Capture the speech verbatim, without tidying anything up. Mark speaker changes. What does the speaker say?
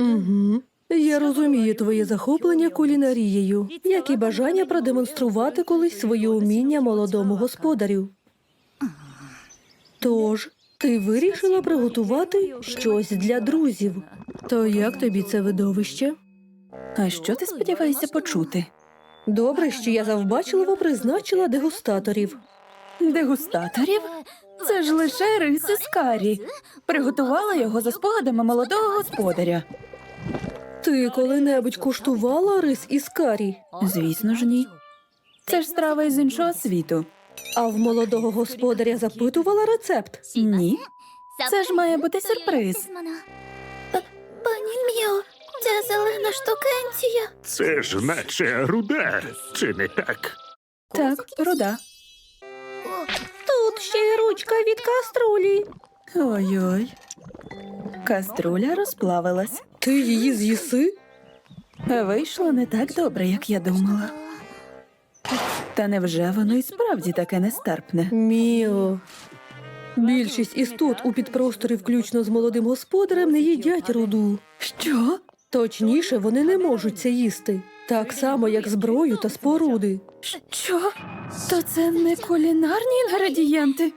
Speaker 1: Угу. Я розумію твоє захоплення кулінарією, як і бажання продемонструвати колись своє уміння молодому господарю. Тож, ти вирішила приготувати щось для друзів. То як тобі це видовище?
Speaker 2: А що ти сподіваєшся почути?
Speaker 1: Добре, що я завбачливо призначила дегустаторів.
Speaker 2: Дегустаторів? Це ж лише рис із карі. Приготувала його за спогадами молодого господаря.
Speaker 1: Ти коли-небудь куштувала рис із карі?
Speaker 2: Звісно ж, ні. Це ж страва із іншого світу.
Speaker 1: А в молодого господаря запитувала рецепт?
Speaker 2: Ні. Це ж має бути сюрприз.
Speaker 3: Пані Міо, ця зелена штукенція.
Speaker 4: Це ж наче руда, чи не так?
Speaker 2: Так, руда.
Speaker 1: Тут ще й ручка від каструлі.
Speaker 2: Ой-ой. Каструля розплавилась.
Speaker 1: Ти її з'їси?
Speaker 2: Вийшло не так добре, як я думала. Та невже воно і справді таке нестерпне?
Speaker 1: Міо. Більшість істот у підпросторі, включно з молодим господарем, не їдять руду.
Speaker 2: Що?
Speaker 1: Точніше, вони не можуть це їсти. Так само, як зброю та споруди.
Speaker 2: Що? То це не кулінарні інгредієнти?